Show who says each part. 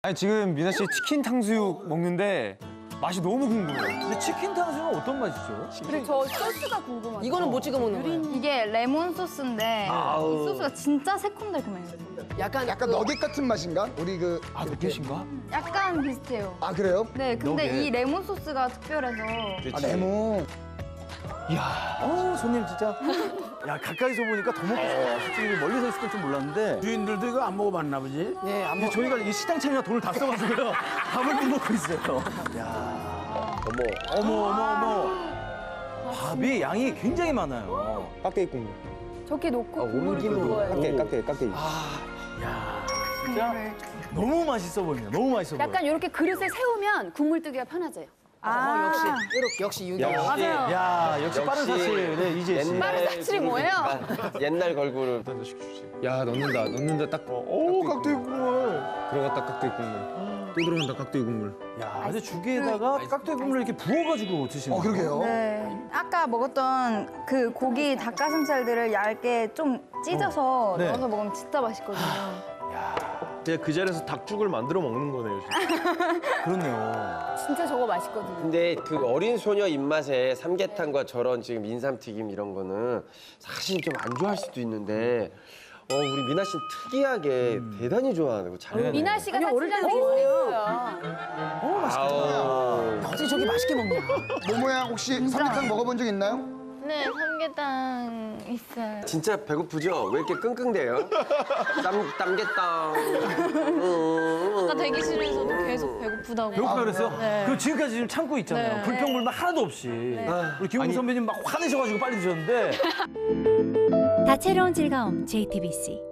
Speaker 1: 아니 지금 미나 씨 치킨 탕수육 먹는데 맛이 너무 궁금해요.
Speaker 2: 근데 치킨 탕수육은 어떤 맛이죠?
Speaker 3: 그리고 저 소스가 궁금하죠.
Speaker 4: 이거는 뭐 찍어 먹는 거예요?
Speaker 5: 이게 레몬 소스인데 이 소스가 진짜 새콤달콤해요.
Speaker 4: 약간
Speaker 6: 너겟 같은 맛인가? 우리 그
Speaker 1: 아, 너겟인가?
Speaker 5: 약간 비슷해요.
Speaker 6: 아 그래요?
Speaker 5: 네, 근데
Speaker 1: 너겟.
Speaker 5: 이 레몬 소스가 특별해서
Speaker 6: 아 레몬.
Speaker 2: 손님 진짜. 야, 가까이서 보니까 더 먹고 싶어요. 솔직히 멀리서 있을 땐 좀 몰랐는데.
Speaker 7: 주인들도 이거 안 먹어봤나 보지?
Speaker 4: 네, 안
Speaker 2: 근데 저희가 이 식당 차리나 돈을 다 써가지고요. 밥을 못 먹고 있어요. 어머. 밥이 양이 굉장히 많아요.
Speaker 1: 깍두기 국물.
Speaker 3: 저렇게 놓고 국물을 먹어요.
Speaker 1: 깍두기.
Speaker 2: 진짜 너무 맛있어 보입니다. 너무 맛있어 보여요.
Speaker 3: 약간 이렇게 그릇에 세우면 국물 뜨기가 편하져요.
Speaker 4: 역시 유교.
Speaker 3: 맞아요.
Speaker 2: 야, 역시 빠른 사실. 네, 이재 씨.
Speaker 3: 빠른 사실이 뭐예요?
Speaker 8: 옛날 걸그룹.
Speaker 1: 야 넣는다 딱. 오 깍두기 국물. 들어갔다 깍두기 국물. 또 들어간다 깍두기 국물.
Speaker 2: 야, 근데 죽에다가 깍두기 국물을 이렇게 부어가지고 드시는 거예요.
Speaker 6: 그러게요.
Speaker 5: 네, 아까 먹었던 그 고기 닭가슴살들을 얇게 좀 찢어서
Speaker 2: 네.
Speaker 5: 넣어서 먹으면 진짜 맛있거든요.
Speaker 1: 제가 그 자리에서 닭죽을 만들어 먹는 거네요. 진짜.
Speaker 2: 그렇네요.
Speaker 3: 진짜 저거 맛있거든요.
Speaker 8: 근데 그 어린 소녀 입맛에 삼계탕과 저런 지금 인삼튀김 이런 거는 사실 좀 안 좋아할 수도 있는데 우리 미나 씨는 특이하게 대단히 좋아하는 거 잘해요.
Speaker 3: 미나 씨가 사실은
Speaker 8: 아우.
Speaker 4: 어떻게 저렇게 맛있게 먹냐?
Speaker 6: 모모양 혹시 삼계탕 먹어본 적 있나요?
Speaker 5: 네, 삼계탕 있어요.
Speaker 8: 진짜 배고프죠? 왜 이렇게 끙끙대요? 땀겠다.
Speaker 5: 아까 대기실에서도 계속 배고프다고.
Speaker 2: 배고프다 그랬어요?
Speaker 5: 네.
Speaker 2: 그럼 지금까지 지금 참고 있잖아요.
Speaker 5: 네.
Speaker 2: 불평불만 하나도 없이. 우리 김웅 선배님 막 화내셔가지고 빨리 드셨는데.
Speaker 9: 다채로운 즐거움 JTBC